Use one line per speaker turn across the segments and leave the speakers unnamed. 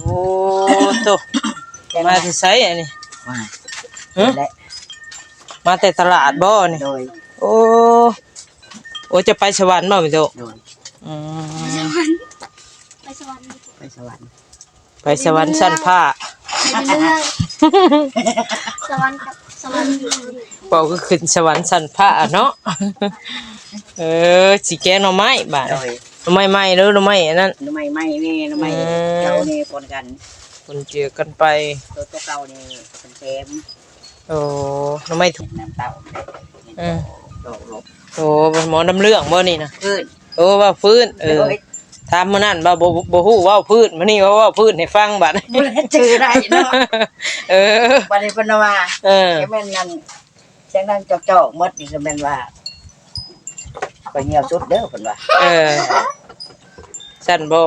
โอ้โตมาที่ไสอันนี้
มา
และมาแต่ตลาดบ่นี่
โดย
โอ้โอ้จะไปสวรรค์บ่แม่โต
โดย
อืม
ไปสวรรค์
ไปสวรรค์ไปสวรรค์ชั้นผ้า
สวรรค์กับสวรรค์
บ่ก็ขึ้นสวรรค์ชั้นผ้าเนาะสิแกงหน่อไม้บาดหน่อไม้ใหม่หรือหน่อไม้อันนั้น
หน่อไม้ไหม้นี่หน่อไม้เก่านี่ปนกัน
ปนเจือกันไป
ตัวเก่านี่เป็นเค็ม
โอ้หน่อไม้ถูก
น้ำเต้า
โอ้หมอน้ำเรื่องบ่นี่นะ
ฟื้น
โอ้ว่าฟื้นถามมื้อนั้นบ่ฮู้ว่าพื้นมื้อนี้ว่าพื้นให้ฟังบัด
บ่ได้ชื่อได้เนาะบัดนี้เพิ่นว่าแม่นนั่นเสียงดังจอกๆหมดนี่ก็แม่นว่าก็เหี่ยวสุดเด้อเพิ่นว่า
สั่นบ่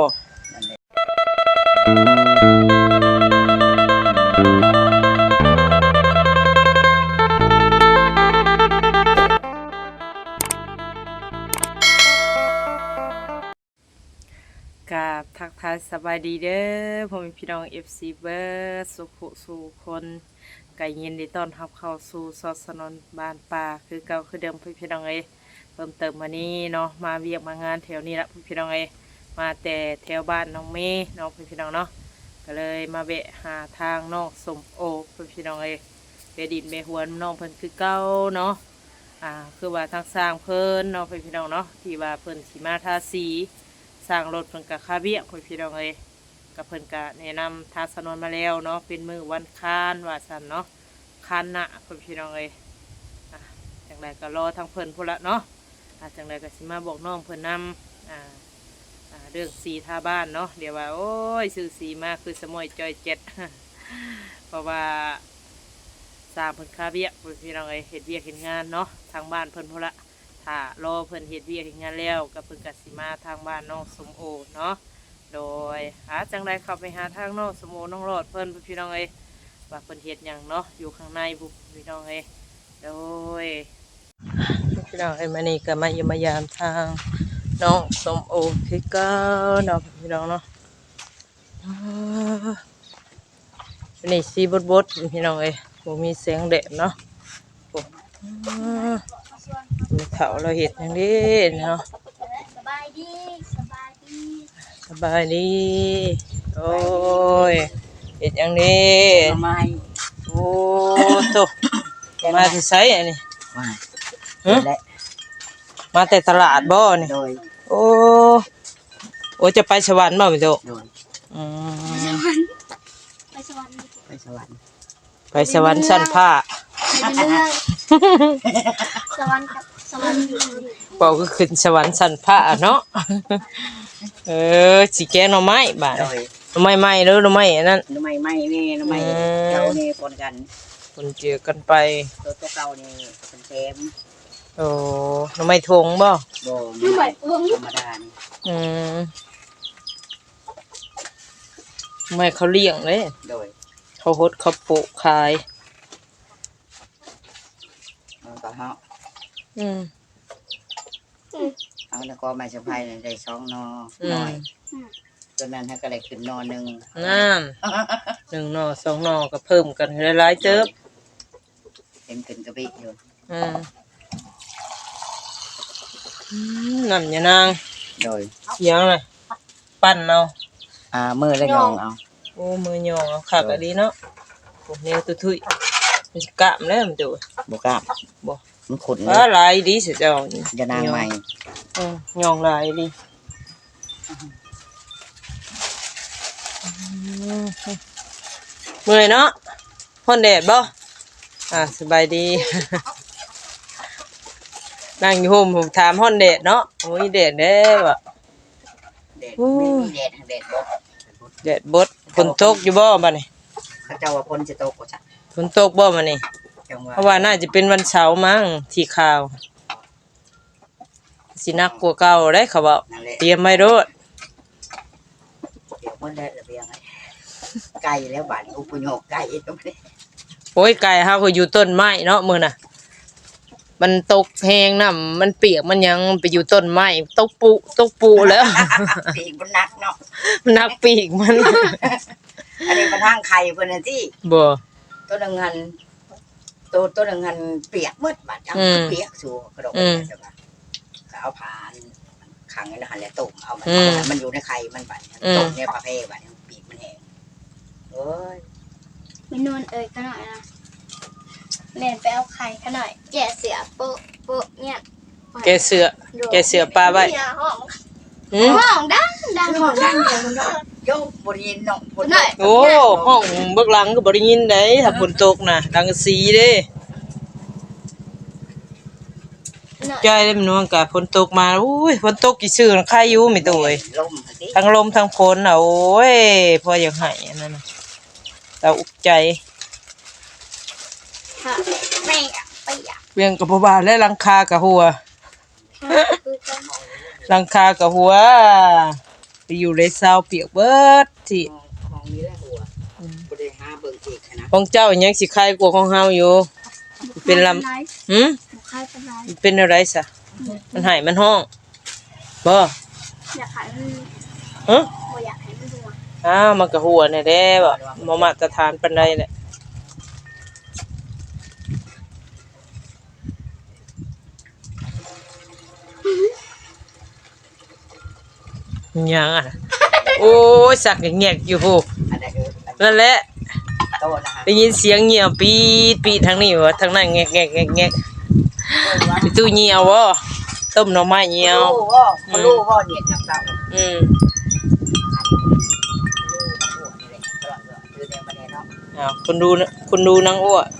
กับทักทายสบายดีเด้อพ่อแม่พี่น้อง FC เบิร์ดสุขสู่คนไก่เย็นดีต้อนรับเข้าสู่ซอสนนบ้านป่าคือเก่าคือเดิมพี่น้องเพิ่มเติมมานี้เนาะมาเวียกมางานแถวนี้ละพี่น้องมาแต่แถวบ้านน้องเมย์น้องพี่น้องเนาะก็เลยมาแวะหาทางน้องสมโอพี่น้องไปดินไปหวนน้องเพิ่นคือเก่าเนาะคือว่าทางสร้างเพิ่นน้องพี่น้องเนาะที่ว่าเพิ่นสีมาทาสีสร้างรถเพิ่นกับคาเบียพี่น้องกับเพิ่นกะแนะนำทางสนนมาแล้วเนาะเป็นมือวันคานว่าสันเนาะคานหน้าพี่น้องจังไรก็รอทางเพิ่นพุ่นละเนาะจังไรก็สิมาบอกน้องเพิ่นนำเรื่องสีทาบ้านเนาะเดี๋ยวว่าโอ้ยซื้อสีมาคือสมอยจอยเจ็ดเพราะว่าสร้างเพิ่นคาเบียพี่น้องเฮ็ดเวียกเฮ็ดงานเนาะทางบ้านเพิ่นพุ่นละถ้ารอเพิ่นเฮ็ดเวียกเฮ็ดงานแล้วก็เพิ่นก็สิมาทางบ้านน้องสมโอเนาะโดยจังไรเข้าไปหาทางน้องสมโอน้องรอดเพิ่นพี่น้องว่าเพิ่นเฮ็ดหยังเนาะอยู่ข้างในบุพี่น้องโดยพี่น้องมานี่ก็มาเยี่ยมมายามทางน้องสมโอคือเก่าเนาะพี่น้องเนาะนี่สีบดพี่น้องบ่มีเสียงแดดเนาะมีเถาเราเห็ดอย่างนี้เนาะ
สบายดี
สบายดีโอ้ยเห็ดอย่างนี้โอ้โตมาที่ไสอันนี้มาแต่ตลาดบ่นี่โอ้จะไปสวรรค์บ่แม่โต
ไปสวรรค์
ไปสวรรค์ชั้นผ้า
สวรรค์กับสวรรค์
บอกก็ขึ้นสวรรค์ชั้นผ้าเนาะสิแกงหน่อไม้บาดหน่อไม้ใหม่หรือหน่อไม้อันนั้น
หน่อไม้ไหม้นี่หน่อไม้เก่านี่ปนกัน
ปนเจือกันไป
ตัวเก่านี่เป็นเค็ม
โอ้หน่อไม้ทงบ่
หน่อไม้ธรรมดา
ไม่เขาเลี้ยงเลยเขาฮดเขาปลูกขาย
ก็เฮาเอาแล้วก็ไม้สะพายได้2 นอน้อยจนนั้นถ้าก็ได้ขึ้นนอ1
นั่น1 นอ 2 นอก็เพิ่มกันหลายๆเติบ
เห็นขึ้นกระบิอยู่
นั่นอย่านาง
โดย
เสียงเลยปั้นเอา
มือแล้วยองเอา
โอ้มือยองเอาคักดีเนาะพวกนี้ตุ้ยมันกล้ามแล้วมันดู
บ่กล้าม
บ่
มันขุ่น
ลายดีสิเจ้า
อย่านางใหม่
ยองลายดีเมื่อยเนาะฮ้อนแดดบ่สบายดีนั่งอยู่ห่มผมถามฮ้อนแดดเนาะโอ้ยแดดแด้บ่แดดบดฝนตกอยู่บ่บัดนี้
เขาเจ้าว่าฝนสิตกบ่จ้ะ
ฝนตกบ่บัดนี้เพราะว่าน่าจะเป็นวันเสาร์มั้งที่ข่าวสินักกว่าเก่าได้เขาบอกเตรียมไว้โดด
เดี๋ยวมันได้ระเบียงไก่แล้วบ้านอุปโยคไก่ตรงนี้
โอ้ยไก่เฮาก็อยู่ต้นไม้เนาะมื้อน่ะมันตกแห้งน้ำมันเปียกมันยังไปอยู่ต้นไม้ตกปูแล้ว
ปีกมันหนักเนาะ
มันหนักปีกมัน
อันนี้เป็นทางไข่เพิ่นน่ะที่
บ่
ตัวหนึงหันตัวหนึงหันเปียกหมดบาดจังเปียกสู่กระดกใช่ป่ะก็เอาผ่านขังไว้หันแล้วต้มเอามันอยู่ในไข่มันบาดต้มในประเภทบาดปีกมันแห้งโอ้ย
เมนูเอ่ยกันหน่อยนะแม่ไปเอาไข่กันหน่อยแกะเสือโปะเนี่ย
แกเสือปลาไว้
ห้อง
หืม
ห้องดัง
ห้องดังเดียวมันเนาะโยกบ่ได้ยินเนาะบ่ได้
โอ้ห้องเบิกหลังก็บ่ได้ยินได้ถ้าฝนตกน่ะดังสีเด้ใจเลยมันว่าก็ฝนตกมาอุ้ยฝนตกกี่ซื่อใครอยู่ไม่ตัวเอ้ย
ลมสิ
ทั้งลมทั้งฝนน่ะโอ้ยพออยากให้อันนั้นน่ะเราอุกใจ
ค่ะแม่ไปอยาก
เวียงกับบ่บาและหลังคากับหัวหลังคากับหัวไปอยู่ในซาวเปียกเบิดที่
ห้องนี้แหละหัวบ่ได้หาเบิ่งอีกนะ
ของเจ้ายังสิคายกว่าของเฮาอยู่เป็นลำหืม
ใครเป็นไร
เป็นอะไรซะมันให้มันห้องบ่
อยากขายมัน
ฮะ
บ่อยากให้มันดู
อ้าวมันก็หัวแน่แด้บ่บ่มาตรฐานปานใดแหละยังอ่ะโอ้ยสักแงกอยู่พู
อันนั้น
นั่นแหละ
โตนะฮะ
ได้ยินเสียงเงี่ยวปีดปีดทางนี้วะทางนั้นแงกแงกแงกแงกไปตู้เงี่ยวบ่ต้มหน่อไม้เงี่ยว
รู้ว่าเนี่ยจับเรา
อืม
คือในประเด็นเนาะ
อ้าวคุณดูนางอ้ว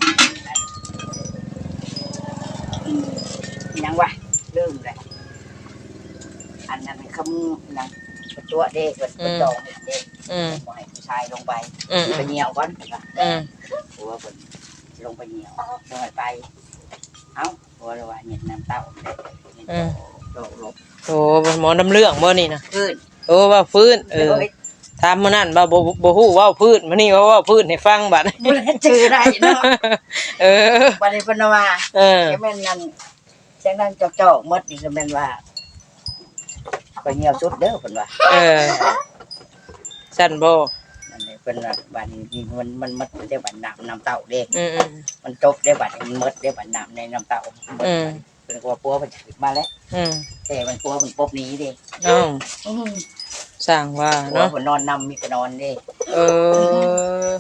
ยังวะเริ่มเลยอันนั้นคำยังตัวเด็กเป็นดองเด็ก
อืม
ปล่อยผู้ชายลงไป
อืม
ไปเหนียวก่อน
อืม
หัวเป็นลงไปเหนียวลงไปเอ้าหัวเราว่าเนี่ยน้ำเต้าโดดลบ
โอ้หมอน้ำเรื่องบ่นี่นะ
ขึ้น
โอ้ว่าฟื้นถามมื้อนั้นว่าบ่ฮู้เว้าพื้นมื้อนี้ว่าเว้าพื้นให้ฟังบัด
บุญจือได้เนาะ
เออ
วันนี้เป็นว่า
เออ
แม่นนั่นแจ้งนั่นเจ้าๆมดนี่ก็แม่นว่าก็เงียวสุดเด้อเพิ่นว่า
เออสั่นบ่
มันนี่เพิ่นว่าบัดนี้มันมดได้บัดน้ำเต้าเด้
อืม
มันจบได้บัดมันมดได้บัดน้ำในน้ำเต้าเพิ่นก็ว่าปัวมันขึ้นมาแล้ว
อืม
แต่มันปัวมันปบนี้เด้
อ้าวสร้างว่า
เนาะ
เนาะ
เพิ่นนอนนำมีก็นอนเด้
เออ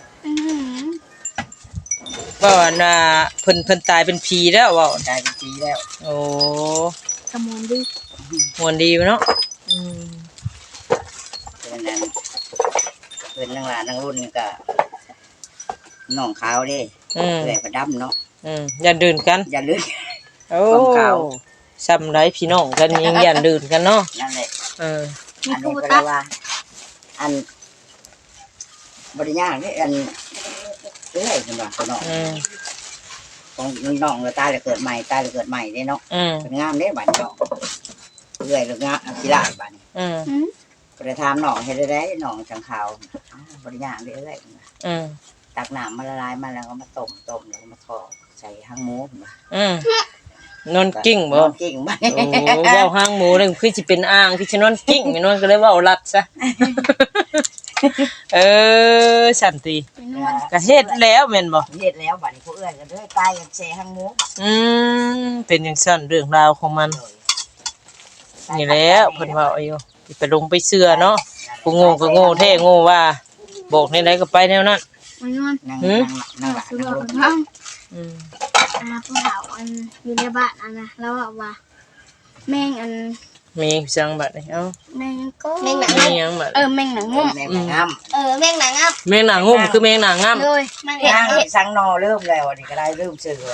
ว่าน่ะเพิ่นตายเป็นผีแล้วเว้า
ตายเป็นปีแล้ว
โอ้
กระมวลดิ
มวนดีเนาะอืม
เพิ่นนั่นเพิ่นนางหลานนางรุ่นนี่ก็น้องขาวเด้
อืม
เอื้อยประดำเนาะ
อย่าดื่นกัน
อย่าลืม
โอ้
ความเก่า
ซ้ำไรพี่น้องกันยังอย่าดื่นกันเนาะ
นั่นแหละ
เออ
มี
อัน
คู
นี้ก็เล
ตัก
ยว่าอันบริญญาเนี่ยอันเอ้ยคุณว่าคุณน้อง
อืม
ของน้องเราตายแล้วเกิดใหม่ตายแล้วเกิดใหม่เนี่ยเนาะ
อืม
เป็นงามเด้บัดเนาะเอ้ยหรืองามกีฬาบัดนี้
อืม
ก็เลยถามน้องเฮ็ดได้น้องจังขาวบริญญาเด้เอ้ย
อืม
ตักน้ำมาละลายมาแล้วก็มาต้มแล้วก็มาทอดใส่ห้างหมูพุ่นว่า
อืมนอนกิ้งบ่
นอนกิ้งบ่
โอ้เว้าห้างหมูนึงคือสิเป็นอ่างที่จะนอนกิ้งไม่นอนก็เลยเว้าลัดซะ เออสันติ
เป็นนวล
ก็เฮ็ดแล้วแม่นบ่
เฮ็ดแล้วบัดนี้ผู้เอื้อยก็เด้อตายกันแช่ห้างหมู
อืมเป็นจังซั่นเรื่องราวของมันนี่แหล้วเพิ่นเว้าอยู่สิไปลงไปเชื่อเนาะผู้โง่ก็โง่แท้โง่ว่าบอกในใดก็ไปแนวนั้น
เป็นนวล
นั่งหลาน
คือ
นั่ง
เรา
รุ่น
เป็นน้อง
อืม
ผู้สาวอันอยู่ในบ้านอันนะแล้วบอกว่าแม่งอัน
มีจังบัดนี่เอ้า
แม่งก็แม่งหนัง
มีหยังบัด
แม่งหนังงุ่ม
แม่งาม
แม่งหนังงับ
แมงหนางุ่มคือแมงหนางง่ำ
เลยแม่ง
นั่งสังนอเริ่มแล้วนี่ก็ได้เริ่มเชื่อ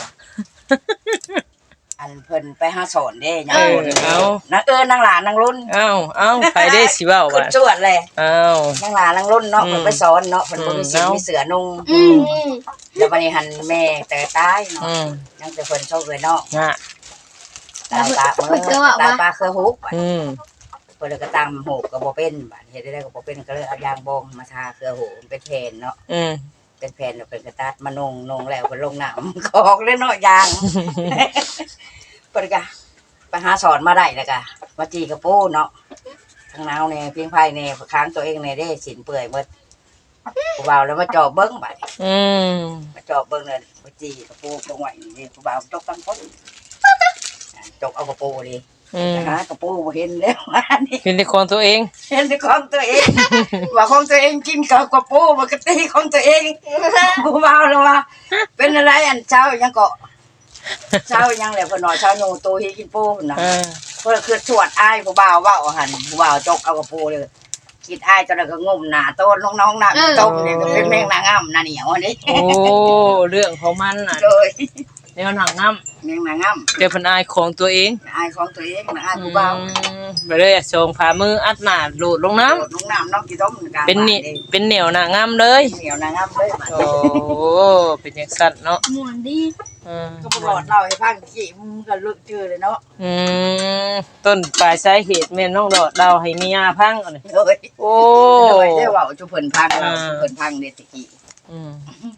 อันเพิ่นไปหาสอนเด้ยังรุ่นนางนางหลานนางรุ่น
เอ้าไปได้สิเว้า
ขึ้
บั
น
ด
จวดเลย
เอ้าน
างหลานนางรุ่นเนาะเพิ่นไปสอนเนาะเพิ่นบ่มีสิมีเสือนุ่งแล้ววันนี้หันแม่แต่ตายเนาะ
อืม
ยังแต่เพิ่นโชคเลยเนาะ
น่ะ
ตามือตาปลาเครือฮุก
อืม
เพิ่นก็ตามหูก็บ่เป็นบาดเฮ็ดได้ก็บ่เป็นก็เลยเอายางบองมาทาเครือหูเป็นแผ่นเนาะ
อืม
เป็นแผ่นแล้วเป็นกระตัดมานงแล้วเพิ่นลงน้ำ กอกเลยเนาะยาง เพิ่นก็ไปหาสอนมาได้แล้วก็มาจีกระปูเนาะทางนาวเนี่ยเพียงไผเนี่ยค้างตัวเองเนี่ยได้สินเปื่อยหมดบ่าวแล้วมาจอบเบิ้งบัด
อืม
มาจอบเบิ้งเลยมาจีกระโปรงตรงไหวนี่ผู้บ่าวจกตั้งคนจกเอากระโปรงดิ
อืม
หากระโปรงบ่เห็นแล้วว่านี่
เป็นในของตัวเอง
เห็นแต่ของตัวเองว่าของตัวเองกินกับกระโปรงปกติของตัวเองผู้บ่าวแล้วว่าเป็นอะไรอันเช้ายังเกาะเช้ายังแหละเพิ่นว่าเช้าโนโตเฮกินโป้พุ่นน่ะ เพื่อคือสวดอ้ายผู้บ่าวว่าเอาหันผู้บ่าวจกเอากระโปรงเลยคิดอ้ายจนแล้วก็งมหน้าโต้นน้องๆหน้าต้มนี่ก็เป็นแมงนางงามหน้าเหนียวอันนี้
โอ้เรื่องของมันน่ะ
เลย
แนวหนังน้
แมงนางงาม
ำเดี๋ยวเพิ่นอายของตัวเอง
อ้ายของตัวเองนะอ้ายผู้บ่าว
ไปเลยส่งผ่ามืออัดหน้าโดดลงน้ำ
น้องน้ำน้องกี่ต้มกัน
เป็นนี่เป็นเหนียวหน้างามเลย
เหนียวนางงามเลย
โอ้เป็นอย่างสั่นเนาะ
ม่วนดี
อืม
ก็บ่หลอดเล่าให้ฟังขี้มึงก็ลึกชื่อเลยเนาะ
อืมต้นปลายสาเหตุแม่นน้องดอดเราให้มียาพังอันนี้
เลย
โอ้
เลยได้ว่าจุเพิ่นพังเราจุเพิ่นพังเด็ดตะกี้
อืม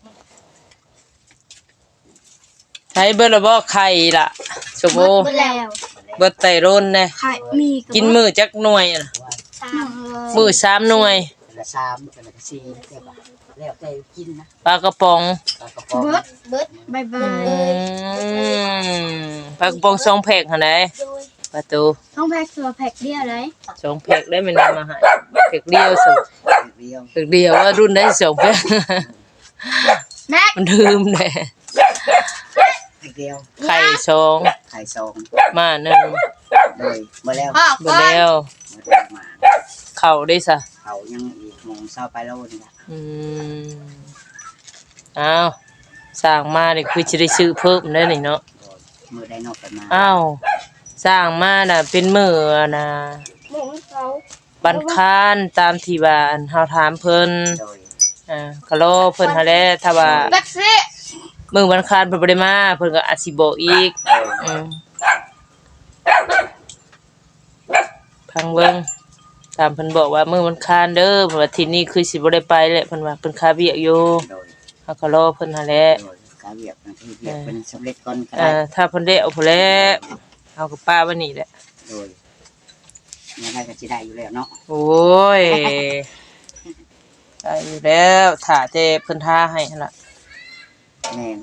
ใช้เบิดละบ่ไข่ล่ะสมโอ
หมดแล้ว
เบิดไตร่นแน่
ไข่มีบ
กินมื้อจักหน่วยอะน่ะ
สาม
มื้อ3หน่วย
ละ3ละ4ได้ป่ะแล้วแต่กินนะ
ปลากระป๋อง
ปลากระป๋อง
เบิดบายบา
อื
ย
มปลากระป๋อง2แพ็คหั่นใดประตู
ท้องแพ็กตัวแพ็กเดียวเลย
2แพ็คได้มันมาให้แพ็คเดียวส
เดียว
แพ็คเดียวว่ารุ่นได้2แพ็ค
แม็ก
มันลืมแน่
เดียว
ไข่สอง
ไข่ซอง
มาหนึ่ง
เลยมาแล้ว
พ่อ
เบิดแล้ว
มา
เข่าได้ซะ
เขายังอีกโมงเช้าไปแล้วนี่นะ
อืมอ้าวสร้างมานี่คือจะได้ซื้อเพิ่มได้นี่เนาะ
มือได้นอกกันมา
อ้าวสร้างมาน่ะเป็นมื้อน่ะ
หมูเขา
บันคานตามที่ว่าอันเฮาถามเพิ่น
โดย
ก็รอเพิ่นหาแหล้วถ้าว่า
แบ็กซี่
มื้อบันคานเพิ่นบ่ได้มาเพิ่นก็อาจสิบอกอีกอืมพังเบิ่งตามเพิ่นบอกว่ามื้อบันคานเด้อเพราะว่าที่นี่คือสิบ่ได้ไปแหละเพิ่นว่าเพิ่นคาเวียกอยู่
โดย
เฮาก็รอเพิ่นหาแหล้ว
โดยการเวียกที่เวียกเป็นสำเร็จก่อนก็ได้
ถ้าเพิ่นได้เอาพุ่นแหล้วเฮาก็ป้าไว้นี่แหละ
โดยยังไงก็สิได้อยู่แล้วเนาะ
โอ้ยได้อยู่แล้วถ้าแต่เพิ่นทาให้หั่นล่ะ
แม่น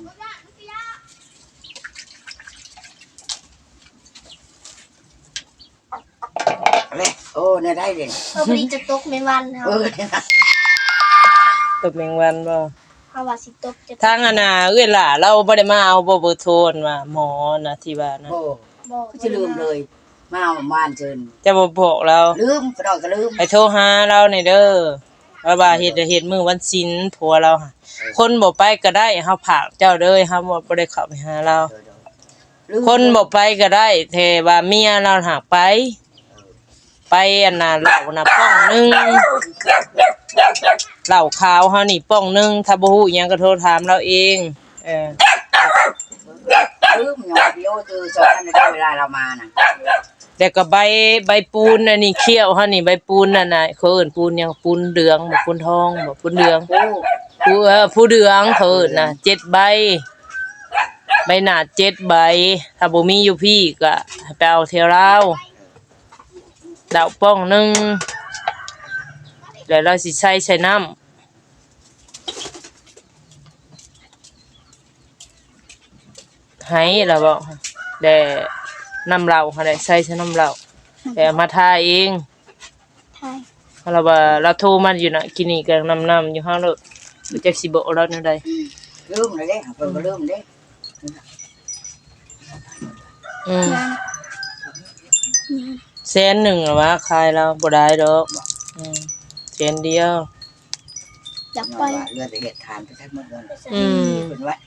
เลยโอ้เนี่ยได้เลย
พอดีจะตกในวันเขา
ตบแมงวันบ่
เขาว่าสิตกจะ
ทางอันน่ะเอ้ยล่ะเราบ่ได้มาเอาบ่เบอร์โทรว่าหมอน่ะที่ว่านะ
โอ้
บอก
ก็จะลืมเลยมาเอาบ้านเชิญ
จะบ่บอกเรา
ลืมก็ดอกก็ลืม
ให้โทรหาเราหน่อยเด้อว่าเฮ็ดมื้อวันศิลป์ผัวเราค่ะคนบ่ไปก็ได้เฮาผากเจ้าเด้อเฮาบ่ได้เข้าไปหาเรา คนบ่ไปก็ได้แต่ว่าเมียเราหากไป ไปอันน่ะเหล้าน่ะป้องหนึงเหล้าขาวเฮานี่ป้องหนึงถ้าบ่ฮู้อิหยังก็โทรถามเราเองเออ
ลืมอย่างเดียวคือสอนกันได้เวลาเรามาน่ะ
แต่ก็ใบปูนอันนี้เคี้ยวเฮานี่ใบปูนนั่นน่ะเขาเอิ้นปูนหยังปูนเหลืองบ่ปูนทองบ่ปูนเหลือง
โอ้
ผู้เหลืองเขาเอิ้นน่ะ7ใบใบหน้า7ใบถ้าบ่มีอยู่พี่ก็ให้ไปเอาเที่ยวลาวดาวป้องหนึงแล้วเราสิใส่น้ำให้ล่ะบ่แต่น้ำเหล้าหั่นแหละใส่น้ำเหล้าแต่เอามาทาเอง
ไทย
เราว่าเราโทรมาอยู่น่ะกินนี่ก็น้ำอยู่ห้างโลดรู้จักสิบอกเราแนวใด
ลืมเลยเด้เพิ่นก็ลืมเด้
อืมแสนหนึ่งหรอวะขายเราบ่ได้ดอกแสนเดียว
อยาก
ย้อน
ไป
ว่าเลือดเหตุทานไปทั้งหมดเลย
อืม
เพิ่นว่า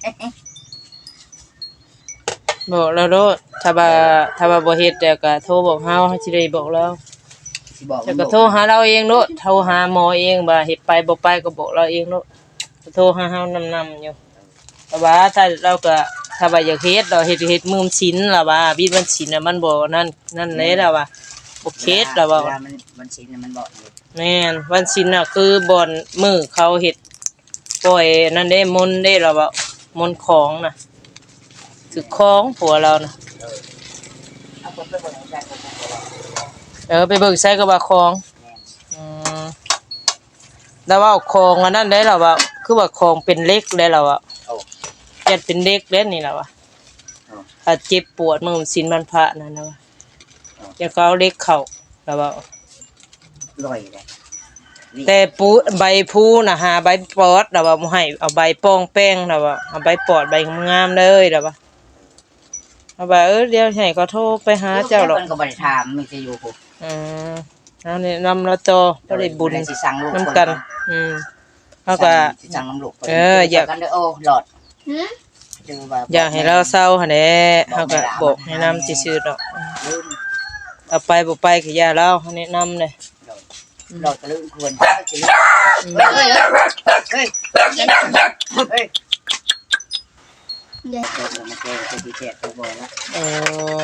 บอกเราโลดถ้าว่าบ่เฮ็ดแต่ก็โทรบอกเฮาสิได้บอกเรา
สิบอก
แต่ก็โทรหาเราเองโลดโทรหาหมอเองว่าเฮ็ดไปบ่ไปก็บอกเราเองโลดโทรหาเฮานำอยู่แต่ว่าถ้าเราก็ถ้าว่าอยากเฮ็ดเราเฮ็ดมื้อศีลล่ะว่าบิดวันศีลน่ะมันบ่นั่นเลยล่ะว่าบ่เฮ็ดล่ะว่า
เวลามันสิมันบอกอยู่
แม่นวันศิลป์น่ะคือบ่อนมือเขาเฮ็ดปล่อยนั่นเด้มนต์เด้เราว่ามนต์ของน่ะคือของผัวเราน่ะ
เอาคนไปเบิ่งใจคน
ไปเบิกใส่ก็ว่าของอืมแล้วว่าของอันนั้นได้แล้วว่าคือว่าของเป็นเล็กแล้วล่ะว่า
โอ้
ยัดเป็นเล็กแล้วนี่ล่ะว่า
โอ้
ถ้าเจ็บปวดมื้อศีลวันพระนั่นนะว่าอย่าก็เอาเล็กเข้าแล้วว่า
ลอยเลย
แต่ปูใบพูน่ะหาใบปอดแล้วว่าบ่ให้เอาใบปองแป้งแล้วว่าเอาใบปอดใบงามๆเลยแล้วว่าเอาว่าเดี๋ยวให้ก็โทรไปหาเจ้าดอก
เพิ่นก็บ่ได้ถามมีแต่อยู่พุ
เอานี่นำเราต่อบ่ได้บุญ
สิสั่งลูก
นํกันเฮาก็
สิสั่งน้ำลูก
อยาก
กันเด้อโอ้หลอด
หืม
เจอว่า
อยากให้เราเศร้าหั่นแหละเฮาก็บอกแนะนำซื่อๆดอก
ลืม
เอาไปบ่ไปก็อย่าเราแนะนำเลย
หลอดก็ลืมควรเฮ้ยเฮ้ยเฮ้ย
เดี๋ยว
เดี๋ยวมาเจอกันที่เจ็ดตัวบ่ละ
เออ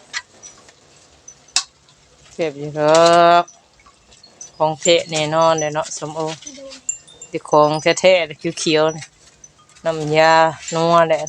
เก็บอยู่ดอกของเทะแน่นอนเลยเนาะสมโอที่ของแท้ๆเขียวๆนี่น้ำยานัวแหละ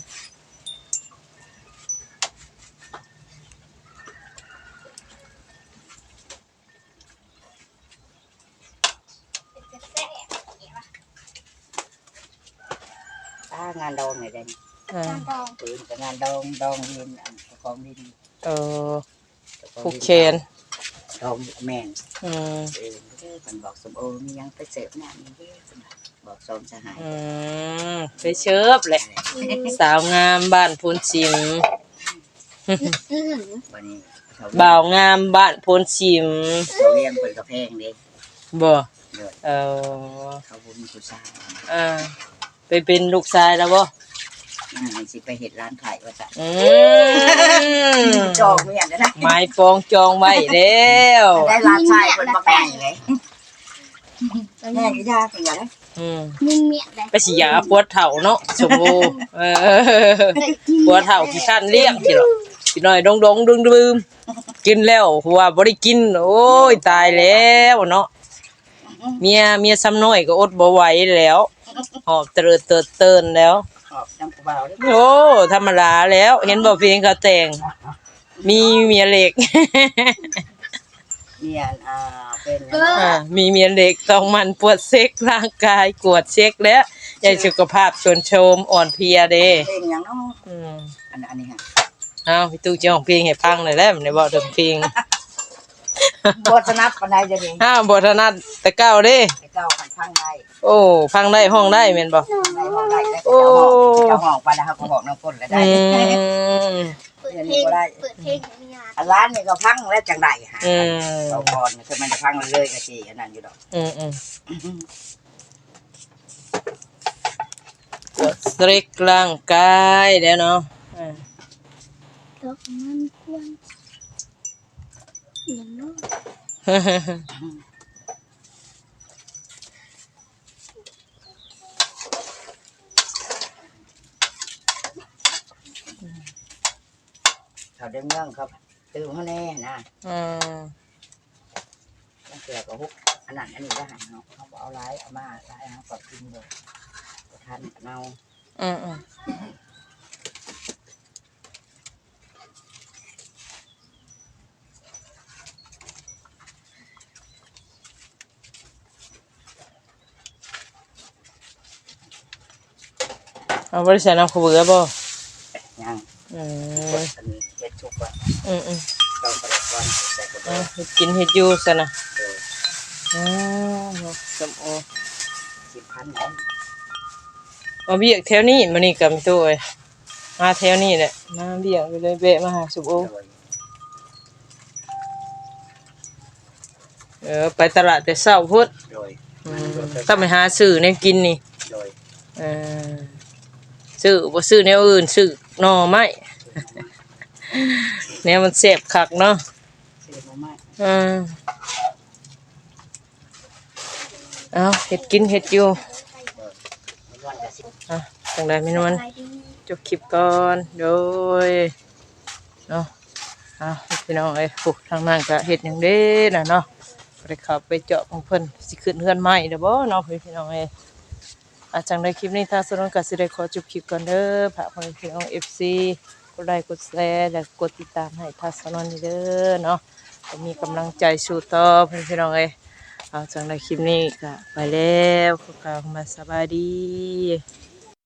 งานดองไงเด่น
อ่า
จานดอง
ปืนกับงานดองดองดินของดิน
เออผู้เคน
ดองแม่น
อืม
มันบอกสมโอมียังไปเสพน้ำนี่บอกสมสหาย
ไปเชิบแหละสาวงามบ้านพูนชิม
อื้อหือ
วันนี้
บ่าวงามบ้านพูนชิม
เขาเลี้ยงเป็นกระเพงเด็ก
บ่
เดือด
เออ
เขาบุญกุศล
ไปเป็นลูกชายแล้วบ่
สิไปเห็ดร้านขายว่าจะ
อืม
จองเมียนนะ
ไม้ปองจองไว้แล้ว
ได้ร้านชายคนมาแก่งเลยแม่ยากอย่างนี้
นิ่งเมียดเลย
ไปสิยาปวดเถ่าเนาะสมบูปวดเถ่าที่ท่านเลี้ยงสิหรอกสิหน่อยดงดึมๆกินแล้วหัวบ่ได้กินโอ้ยตายแล้วเนาะเมียซ้ำน้อยก็อดบ่ไหวแล้วหอบเตินแล้ว
ขอบน้ำกระเบาด้วย
โอ้ธรรมดาแล้ว เห็นบ่เพลงเขาแต่งมีเมียเหล็ก
เมียนเป็น
มีเมียเหล็กต้องมันปวดเซ็กร่างกายกวดเช็คแล้วอย่าสุขภาพชวนโชมอ่อนเพลียเด้
เป็นอย่างน้อง
อืม
อันนี้ฮะ
เอาพี่ตู้จะร้องเพลงให้ฟังหน่อยแล้วมันได้บอกเรื่องเพลง
บทนับปันใดจะดี
บ่ถนัดแต่เก้าเด้
ไปเจ้าขันพังได้
โอ้ฟังได้ห้องได้แม่นบ่
ในห้องได้แล้ว
โอ้
เจ้าห้องไปแล้วครับก็บอกน้ำก้นแล้วได้
เปิดเพลงเปิดเพลงของยา
ร้านนี่ก็พังแล้วจังไดฮะ
อืม
เราพรคือมันจะพังเลยก็สิอันนั้นอยู่ดอก
กดสตริกร่างกายแล้วเนาะ
ดอกมันควรอย่างน้อย
เขาได้เมืองครับตื่นมาแน่นะ
อืม
ต้องเกลือกับฮุกอันนั้นอันนี้ก็หันเนาะเขาเอาไล่เอามาไล่เอากับกินเลยทันเนา
อืมเอาบริษัทน้ำขบเบือบ่
ยัง
อื
ก
ม
ดอันเฮ็ดชุกว่า
อืม
เราไปก่อนใส่กระเบื้อง
เฮ็ดกินเฮ็ดอยู่ซะนะ
โดย
สมโอ
10,000เนาะ
มาเบียกแถวนี้มานี่กับตัวเอ้ยมาแถวนี้แหละมาเบียกไปเลยเบะมาหาสุโอ
โดย
ไปตลาดแต่เช้าพุด
โดย
ต้องไปหาซื้อแนวกินนี่
โดย
เออซื้อบ่ซื้อแนวอื่นซื้อหน่อไม้ แนวมันแซ่บคักเนาะ
ซื้อมาใหม่
เอาเฮ็ดกินเฮ็ดอยู่
วันละ10
จังได๋แม่นวล
ไปดี
จบคลิปก่อนโดยเนาะพี่น้องเอ้ยพวกทางนั้นก็เฮ็ดหยังเด้น่ะเนาะบ่ได้เข้าไปเจาะของเพิ่นสิขึ้นเฮือนใหม่เด้อบ่เนาะพี่น้องเอ้ยจังได๋คลิปนี้ถ้าสนุกก็สิได้ขอจบคลิปก่อนเด้อฝากพี่น้อง FC กดไลค์กดแชร์และกดติดตามให้ทัศนนเด้อเนาะก็มีกำลังใจสู้ต่อพี่น้องเอ้ยเอาจังได้คลิปนี้ก็ไปแล้วขอกล่าวคำว่าสบายดี